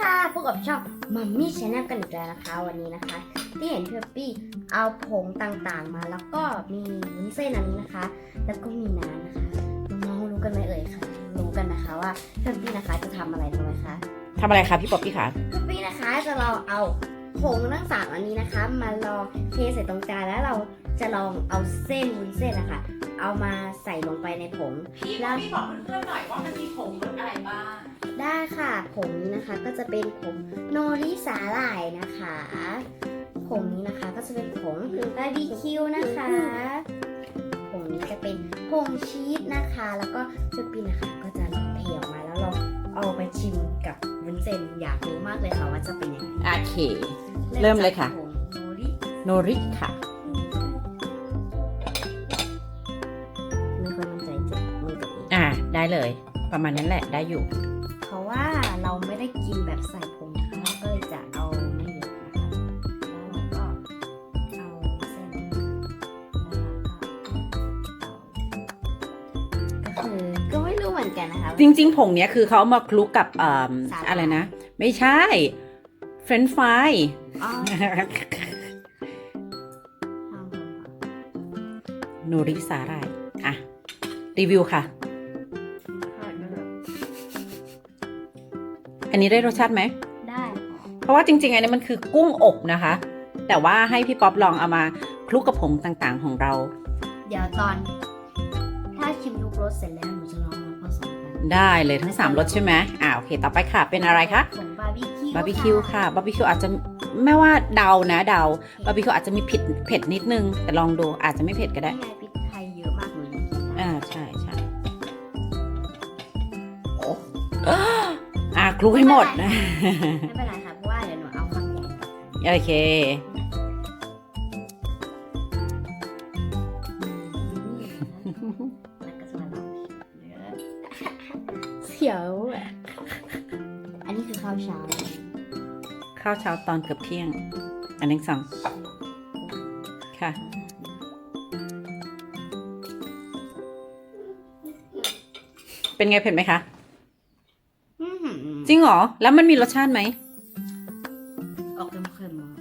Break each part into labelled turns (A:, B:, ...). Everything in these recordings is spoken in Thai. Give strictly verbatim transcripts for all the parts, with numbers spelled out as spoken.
A: ค่ะพบกับช่องมัมมี่ชาแนลกันอีกแล้วนะคะวันนี้นะคะที่เห็นพี่ปี้เอาผงต่างๆมาแล้วก็มีวุ้นเส้นอันนี้นะคะ แล้วก็มีน้ำนะคะน้องๆรู้กันไหมเอ่ยค่ะรู้กันนะคะว่าพี่ปี้นะคะจะทำอะไรรู้ไหมคะ
B: ทำอะไรคะพี่ป๊อปปี้คะ
A: พี่ปี้นะคะจะลองเอาผงทั้งสามอันนี้นะคะ มาลองเทใส่ตรงจานแล้วเราจะลองเอาเส้นวุ้นเส้นนะคะเอามาใส่ลงไปในผง
B: พี่ป๊อปปี้บอกเพื่อนๆหน่อยว่ามันมีผงรสอะไรบ้าง
A: ได้ค่ะผงนี้นะคะก็จะเป็นผงโนริสาหร่ายนะคะผงนี้นะคะก็จะเป็นผงบาร์บีคิวนะคะผงนี้จะเป็นผงชีสนะคะแล้วก็เจปีนะคะก็จะลองเทออกมาแล้วเราเอาไปชิมกับวุ้นเส้นอยากรู้มากเลยค่ะว่าจะเป็นยังไง
B: โอเค เริ่มเลยค่ะ
A: ผงโนริ
B: โนริค่ะ
A: ไม่ค่อยมั่นใจเจ็บมือตัวเอง
B: อ่าได้เลย ประมาณนั้นแหละได้อยู่
A: เพราะว่าเราไม่ได้กินแบบใส่ผงนะคะเราก็เลยจะเอาไม่เยอะนะคะแล้วเราก็เอาเส้นแล้วเราก็เอาก็คือก็ไม่รู้เหมือนกันนะคะ
B: จริงๆผงเนี้ยคือเขาเอามาคลุกกับอ่า
A: สาหร่าย
B: อะไรนะ ไม่ใช่เฟรนช์ฟราย
A: อ๋อทางผมค่ะ
B: โนริสาหร่ายอ่ะรีวิวค่ะ
A: ค่ะนั่นแหละ
B: อันนี้ได้รสชาติไหม
A: ได้ค่ะ
B: เพราะว่าจริงๆอันนี้มันคือกุ้งอบนะคะ แต่ว่าให้พี่ป๊อปลองเอามาคลุกกับผงต่างๆของเรา
A: เดี๋ยวตอน ถ้าชิมทุกรสเสร็จแล้วหนูจะลองมาผสมกัน
B: ได้เลยทั้งสามรสใช่ไหมอ่าโอเคต่อไปค่ะเป็นอะไรคะ
A: ผงบาร์บีคิว
B: บาร์บีคิวค่ะบาร์บีคิวอาจจะไม่ว่าเดานะเดาบาร์บีคิวอาจจะมีเผ็ดเผ็ดนิดนึง แต่ลองดูอาจจะไม่เผ็ดก็ได้
A: นี่ไงพริกไทยเยอะมากเลย
B: อ่าใช่ใช่โอ้อ่าคลุกให้หมดนะ
A: ไม่เป็นไรค่ะเพราะว่าเดี๋ยวหนูเอาความใหญ่ก่อนค่ะ
B: โอเค
A: แล้วก็จะมาลองชิมเนื้อเสียวอะอันนี้คือข้าวเช้า
B: ข้าวเช้าตอนเกือบเที่ยง อันนี้สองค่ะ เป็นไงเผ็ดไหมคะ
A: อื้อหือ
B: จริงเหรอ แล้วมันมีรสชาติไหม
A: ออกเค็มๆมา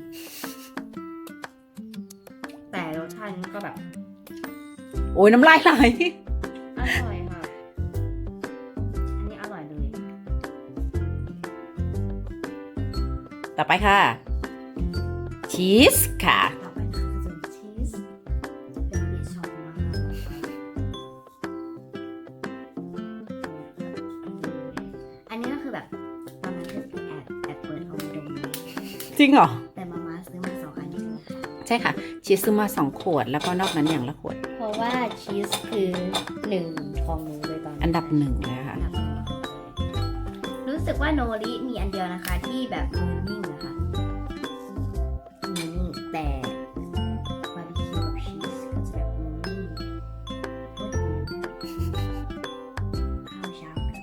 A: แต่รสชาติมันก็แบบ
B: โอ้ยน้ำลายไหล
A: อร่อยค่ะ อันนี้อร่อยเลย
B: ต่อไปค่ะ ชีสค่ะ
A: ต่อไปนะคะจะเป็นชีสเป็นที่ชอบมากอันนี้ก็คือแบบตอนนั้นคือแอบแอบเปิดเอามาดมเลย
B: จริงเหรอ
A: แต่มาม่าซื้อมาสองอันใช่ไหมคะ
B: ใช่ค่ะ ชีสซื้อมาสองขวด แล้วก็นอกนั้นอย่างละขวด
A: เพราะว่าชีสคือหนึ่งของหนูเลยตอนนี้
B: อันดับหนึ่งเลยค่ะ
A: อันดับหนึ่งรู้สึกว่าโนริมีอันเดียวนะคะที่แบบมือนิ่งนะคะมือนิ่งแต่บาร์บีคิวกับชีสก็จะแบบมือนิ่งโอ้ยข้าวเช้ากับ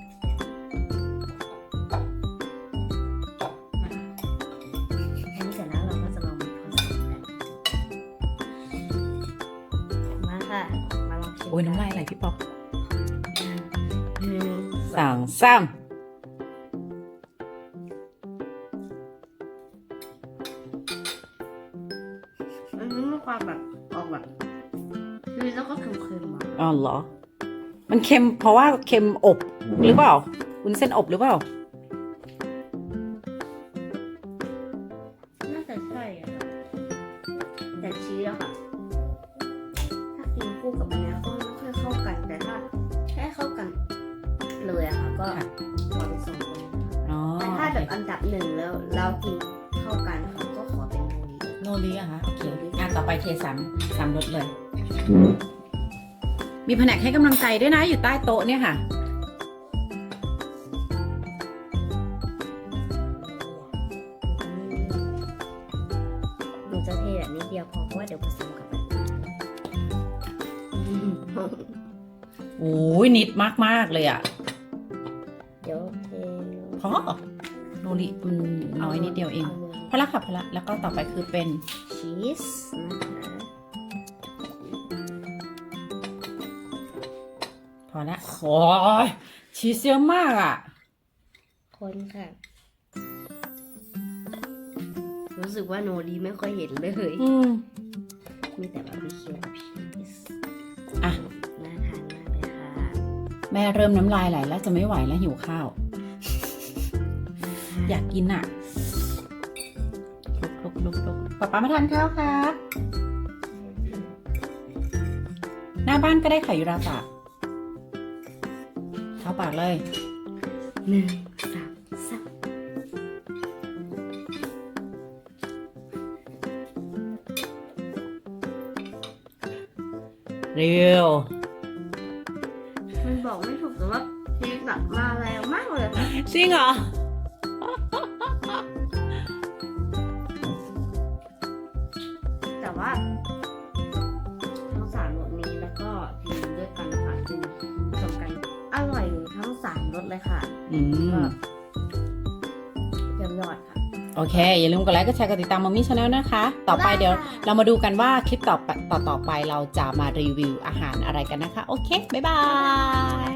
A: อันนี้เสร็จแล้วเราก็จะลองผสมกันมาค่ะมาลองชิม
B: โอ้ยน้ำลายไหลพี่ป๊อป
A: หนึ่ง
B: สองสาม
A: มันมีความแบบออกแบบคือแล้วก็เค็มๆอ่ะ
B: อ๋อเหรอ มันเค็มเพราะว่าเค็มอบหรือเปล่าวุ้นเส้นอบหรือเปล่า
A: น่าจะใช่อะค่ะแต่ชีสอะค่ะ ถ้ากินคู่กับมันแล้วก็ไม่ค่อยเข้ากัน แต่ถ้าแค่เข้ากันเลยอะค่ะ ก็
B: ค่ะ
A: ขอเป็นสองคน
B: อ๋อ
A: แต่ถ้าแบบอันดับหนึ่งแล้วเรากินเข้ากันค่ะก็ขอเป็นโมลี
B: โนริอะคะโอเคอ่ะต่อไปเทสามสามรสเลย มีแผนกให้กำลังใจด้วยนะอยู่ใต้โต๊ะเนี่ยค่ะ
A: หนูจะเทแบบนี้เดียวพอเพราะว่าเดี๋ยวผสมกับมันอืม
B: โอ้ยนิดมากๆเลยอะ
A: เดี๋ยวเท
B: พอโนริมันน้อยนิดเดียวเอง พอละค่ะพอละแล้วก็ต่อไปคือเป็น
A: ชีสนะคะ
B: พอละโอ้ยชีสเยอะมากอะ
A: คนค่ะรู้สึกว่าโนรีไม่ค่อยเห็นเลย
B: อืม
A: มีแต่บาร์บีคิวกับชีส
B: อ่ะ
A: น่าทานมากเลยค่ะ
B: แม่เริ่มน้ำลายไหลแล้วจะไม่ไหวแล้วหิวข้าว อยากกินอ่ะลุกลุกลุกลุกป๊าป๊ามาทานข้าวครับ หน้าบ้านก็ได้ค่ะยูราปากเข้าปากเลย
A: หนึ่งสามสาม
B: เร็ว
A: มันบอกไม่ถูกแต่ว่าชีสแบบมาแรงมากเลยค่ะ
B: จริงเหรอ
A: แต่ว่าทั้งสามรสนี้แล้วก็กินด้วยกันนะคะกินผสมกันอร่อยทั้งสามรสเลยค่ะ
B: อืม
A: ก็เยี่ยมยอดค่ะ
B: โอเค อย่าลืมกดไลค์กดแชร์กดติดตามมัมมี่ชาแนลนะคะ ต่อไป
A: ได้ค่ะ
B: เดี๋ยวเรามาดูกันว่าคลิปต่อไปต่อต่อไปเราจะมารีวิวอาหารอะไรกันนะคะ โอเค บ๊ายบาย